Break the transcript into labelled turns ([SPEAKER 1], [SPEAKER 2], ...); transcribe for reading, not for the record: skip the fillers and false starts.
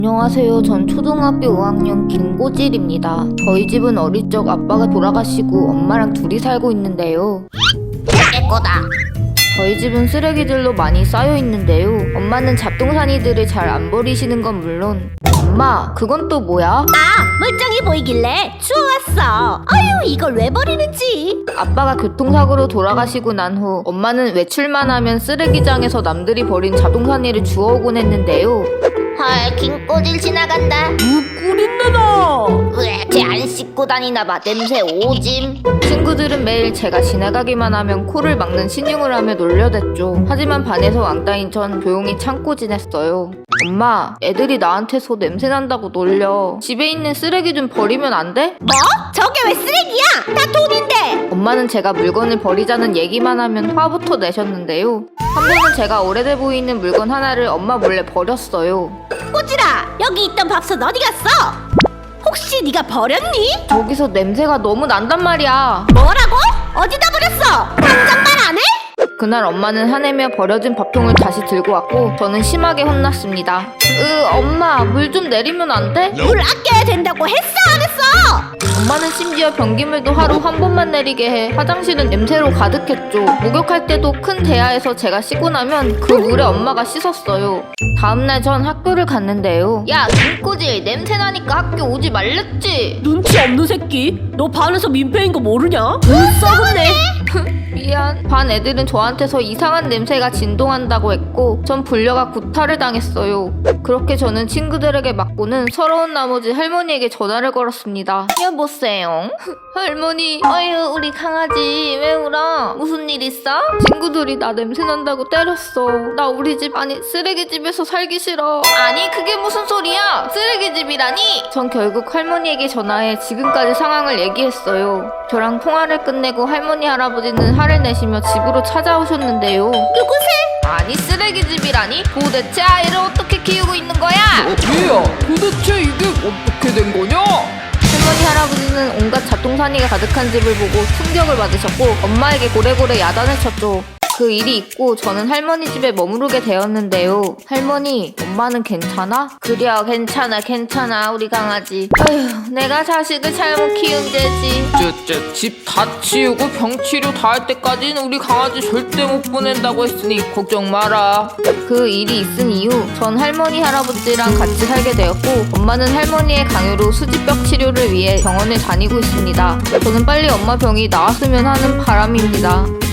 [SPEAKER 1] 안녕하세요. 전 초등학교 5학년 김고질입니다. 저희 집은 어릴 적 아빠가 돌아가시고 엄마랑 둘이 살고 있는데요.
[SPEAKER 2] 내 거다.
[SPEAKER 1] 저희 집은 쓰레기들로 많이 쌓여 있는데요. 엄마는 잡동사니들을 잘 안 버리시는 건 물론, 엄마, 그건 또 뭐야?
[SPEAKER 2] 멀쩡해 보이길래 주워왔어. 아유, 이걸 왜 버리는지.
[SPEAKER 1] 아빠가 교통사고로 돌아가시고 난 후 엄마는 외출만 하면 쓰레기장에서 남들이 버린 잡동사니를 주워오곤 했는데요.
[SPEAKER 2] 헐, 김꼬질 지나간다.
[SPEAKER 3] 꿀인내다.
[SPEAKER 2] 왜, 쟤 안 씻고 다니나봐. 냄새 오짐.
[SPEAKER 1] 친구들은 매일 제가 지나가기만 하면 코를 막는 신용을 하며 놀려댔죠. 하지만 반에서 왕따인 전 조용히 참고 지냈어요. 엄마, 애들이 나한테서 냄새난다고 놀려. 집에 있는 쓰레기 좀 버리면 안 돼?
[SPEAKER 2] 뭐? 저게 왜 쓰레기야? 다 돈인데.
[SPEAKER 1] 엄마는 제가 물건을 버리자는 얘기만 하면 화부터 내셨는데요. 한 번은 제가 오래돼 보이는 물건 하나를 엄마 몰래 버렸어요.
[SPEAKER 2] 꼬질아, 여기 있던 밥솥 어디 갔어? 혹시 네가 버렸니?
[SPEAKER 1] 저기서 냄새가 너무 난단 말이야.
[SPEAKER 2] 뭐라고? 어디다 버렸어? 당장 말 안 해?
[SPEAKER 1] 그날 엄마는 화내며 버려진 밥통을 다시 들고 왔고 저는 심하게 혼났습니다. 엄마, 물 좀 내리면 안 돼?
[SPEAKER 2] 물 아껴야 된다고 했어, 안 했어?
[SPEAKER 1] 엄마는 심지어 변기물도 하루 한 번만 내리게 해 화장실은 냄새로 가득했죠. 목욕할 때도 큰 대야에서 제가 씻고 나면 그 물에 엄마가 씻었어요. 다음날 전 학교를 갔는데요. 야, 김꼬질, 냄새나니까 학교 오지 말랬지?
[SPEAKER 3] 눈치 없는 새끼. 너 반에서 민폐인 거 모르냐? 썩었네.
[SPEAKER 1] 미안. 반 애들은 저한테서 이상한 냄새가 진동한다고 했고 전 불려가 구타를 당했어요. 그렇게 저는 친구들에게 맞고는 서러운 나머지 할머니에게 전화를 걸었습니다. 여보세요? 할머니, 아유, 우리 강아지 왜 울어? 무슨 일 있어? 친구들이 나 냄새난다고 때렸어. 나 우리 집, 아니 쓰레기집에서 살기 싫어. 아니, 그게 무슨 소리야? 쓰레기집이라니? 전 결국 할머니에게 전화해 지금까지 상황을 얘기했어요. 저랑 통화를 끝내고 할머니 할아버지는 화를 내시며 집으로 찾아오셨는데요.
[SPEAKER 2] 누구세?
[SPEAKER 1] 아니, 쓰레기집이라니? 도대체 아이를 어떻게 키우고 있는 거야?
[SPEAKER 3] 얘야, 도대체 이게 어떻게 된 거냐?
[SPEAKER 1] 할머니 할아버지는 온갖 잡동사니가 가득한 집을 보고 충격을 받으셨고 엄마에게 고래고래 야단을 쳤죠. 그 일이 있고 저는 할머니 집에 머무르게 되었는데요. 할머니, 엄마는 괜찮아? 그려, 괜찮아 우리 강아지. 아휴, 내가 자식을 잘못 키운 죄지.
[SPEAKER 3] 집 다 치우고 병치료 다 할 때까지는 우리 강아지 절대 못 보낸다고 했으니 걱정 마라.
[SPEAKER 1] 그 일이 있은 이후 전 할머니 할아버지랑 같이 살게 되었고 엄마는 할머니의 강요로 수지벽 치료를 위해 병원을 다니고 있습니다. 저는 빨리 엄마 병이 나았으면 하는 바람입니다.